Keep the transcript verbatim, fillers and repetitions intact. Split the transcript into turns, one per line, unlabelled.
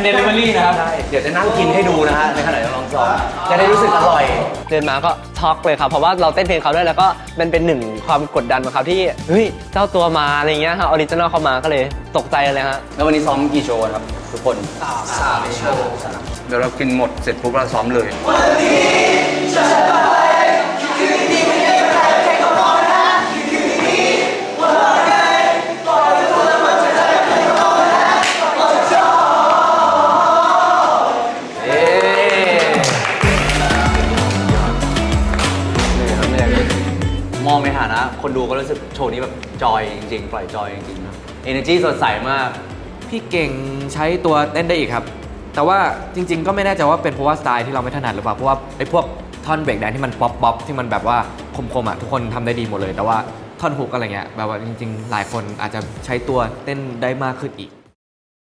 เดลิเวอรี่นะครับเดี๋ยวจะนั่งกินให้ดูนะฮะในขณะที่ลองซ้อมจะได้รู้สึกอร่อย
เดินมาก็ช็อกเลยครับเพราะว่าเราเต้นเพลงเขาด้วยแล้วก็มันเป็นหนึ่งความกดดันของเขาที่เฮ้ยเจ้าตัวมาอะไรเงี้ยฮะออริจินอลเข้ามาก็เลยตกใจเลยฮะ
แล้ววันนี้ซ้อมกี่โชว์ครับทุกคนสามโชว์เดี๋ยวเรากินหมดเสร็จปุ๊บเราซ้อมเลยวันนี้จะไปคืนนี้ไม่ได้แพ้แค่ก็พอนะคืนนี้ว่าไงปล่อยตัวแล้วมันจะได้แค่ก็พอนะปล่อยจอเอ๊มองในฐานะคนดูก็รู้สึกโชว์นี้แบบจอยจริงๆปล่อยจอยจริงๆ energy สดใสมาก
พี่เก่งใช้ตัวเต้นได้อีกครับแต่ว่าจริงๆก็ไม่แน่ใจว่าเป็นเพราะว่าสไตล์ที่เราไม่ถนัดหรือเปล่าเพราะว่าไอ้พวกท่อนเบรกแดนที่มันป๊อปป๊อปที่มันแบบว่าคมๆอ่ะทุกคนทำได้ดีหมดเลยแต่ว่าท่อนฮุกอะไรเงี้ยแบบว่าจริงๆหลายคนอาจจะใช้ตัวเต้นได้มากขึ้นอีก